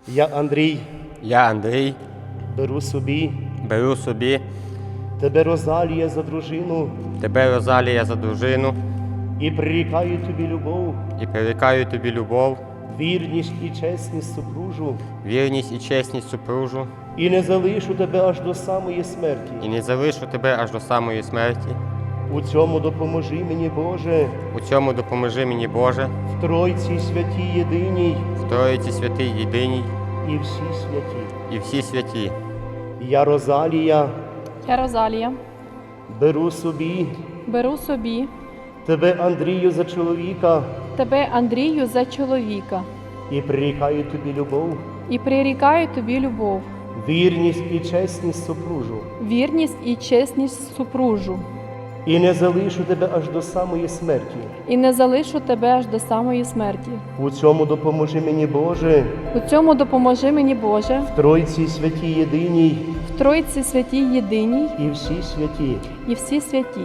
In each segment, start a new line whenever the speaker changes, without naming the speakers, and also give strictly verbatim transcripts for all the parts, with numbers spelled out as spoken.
Я, Андрій,
Я, Андрій,
беру собі
беру собі
тебе, Розалія, за дружину
тебе, Розалія, за дружину
і прирікаю тобі любов,
і прирікаю тобі любов,
вірність і чесність супружу,
вірність і чесність супружу,
і не залишу тебе аж до самої смерті.
і не залишу тебе аж до самої смерті.
У цьому допоможи мені, Боже,
У цьому допоможи мені, Боже,
в Тройці святій єдиній
в Троїці святий єдиній
і всі святі.
і всі святі.
Я, Розалія,
Я, Розалія,
беру собі
беру собі
тебе, Андрію, за чоловіка
тебе, Андрію, за чоловіка
і прирікаю тобі любов,
і прирікаю тобі любов,
вірність і чесність супружу,
вірність і чесність супружу,
і не залишу тебе аж до самої смерті.
і не залишу тебе аж до самої смерті.
У цьому допоможи мені, Боже,
У цьому допоможи мені, Боже,
в Тройці святій єдиній
в Тройці святій єдиній
і всі святі.
і всі святі.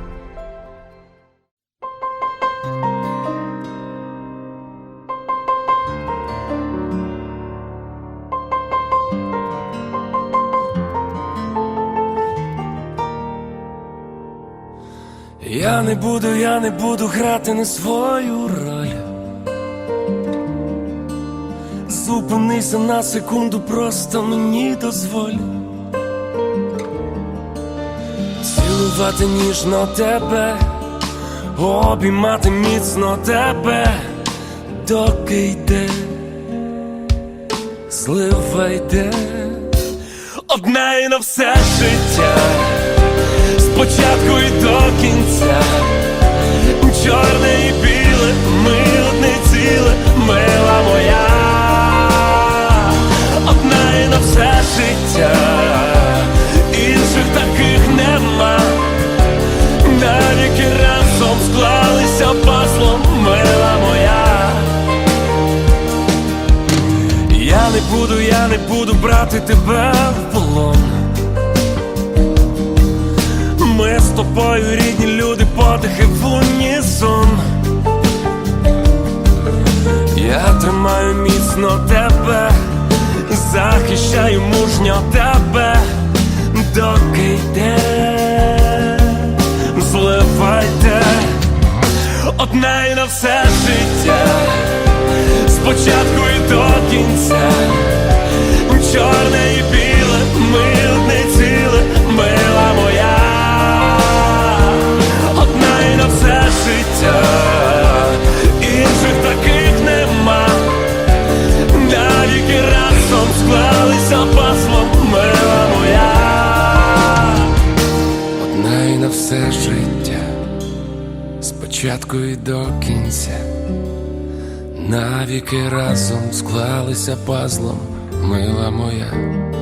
Я не буду, я не буду грати не свою роль. Зупинися на секунду, просто мені дозволь цілувати ніжно тебе, обіймати міцно тебе, доки йде, злива йде, одна і на все життя. Спочатку і до кінця, чорне і біле, ми одне ціле, мила моя, одна і на все життя, інших таких нема, навіки разом склалися пазлом, мила моя. Я не буду, я не буду брати тебе в полон. Ми з тобою рідні люди, подихи в унісон. Я тримаю міцно тебе, захищаю мужньо тебе, доки йде, злива йде, одна і на все життя, спочатку і до кінця, чорне і біле, ми одне ціле, мила моя. Інших таких нема, навіки разом склалися пазлом, мила моя. Одна і на все життя, спочатку і до кінця, навіки разом склалися пазлом, мила моя.